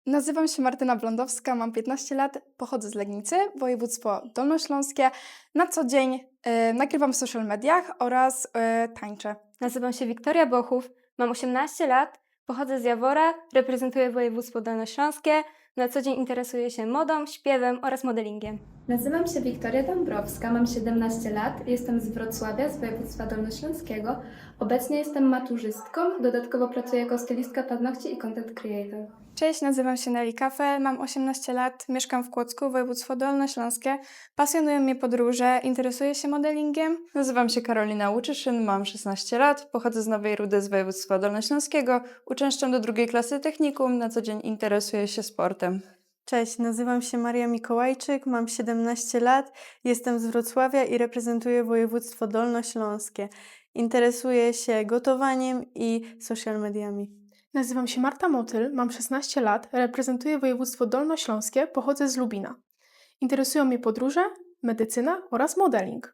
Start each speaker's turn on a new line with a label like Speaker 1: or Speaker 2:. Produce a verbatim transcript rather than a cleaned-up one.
Speaker 1: Nazywam się Martyna Blądowska, mam piętnaście lat, pochodzę z Legnicy, województwo dolnośląskie. Na co dzień e, nagrywam w social mediach oraz e, tańczę.
Speaker 2: Nazywam się Wiktoria Bochów, mam osiemnaście lat, pochodzę z Jawora, reprezentuję województwo dolnośląskie, na co dzień interesuję się modą, śpiewem oraz modelingiem.
Speaker 3: Nazywam się Wiktoria Dąbrowska, mam siedemnaście lat, jestem z Wrocławia, z województwa dolnośląskiego. Obecnie jestem maturzystką, dodatkowo pracuję jako stylistka paznokci i content creator.
Speaker 1: Cześć, nazywam się Nelly Kafe, mam osiemnaście lat, mieszkam w Kłodzku, województwo dolnośląskie. Pasjonują mnie podróże, interesuję się modelingiem.
Speaker 4: Nazywam się Karolina Łuczyszyn, mam szesnaście lat, pochodzę z Nowej Rudy z województwa dolnośląskiego, uczęszczam do drugiej klasy technikum, na co dzień interesuję się sportem.
Speaker 5: Cześć, nazywam się Maria Mikołajczyk, mam siedemnaście lat, jestem z Wrocławia i reprezentuję województwo dolnośląskie. Interesuję się gotowaniem i social mediami.
Speaker 6: Nazywam się Marta Motyl, mam szesnaście lat, reprezentuję województwo dolnośląskie, pochodzę z Lubina. Interesują mnie podróże, medycyna oraz modeling.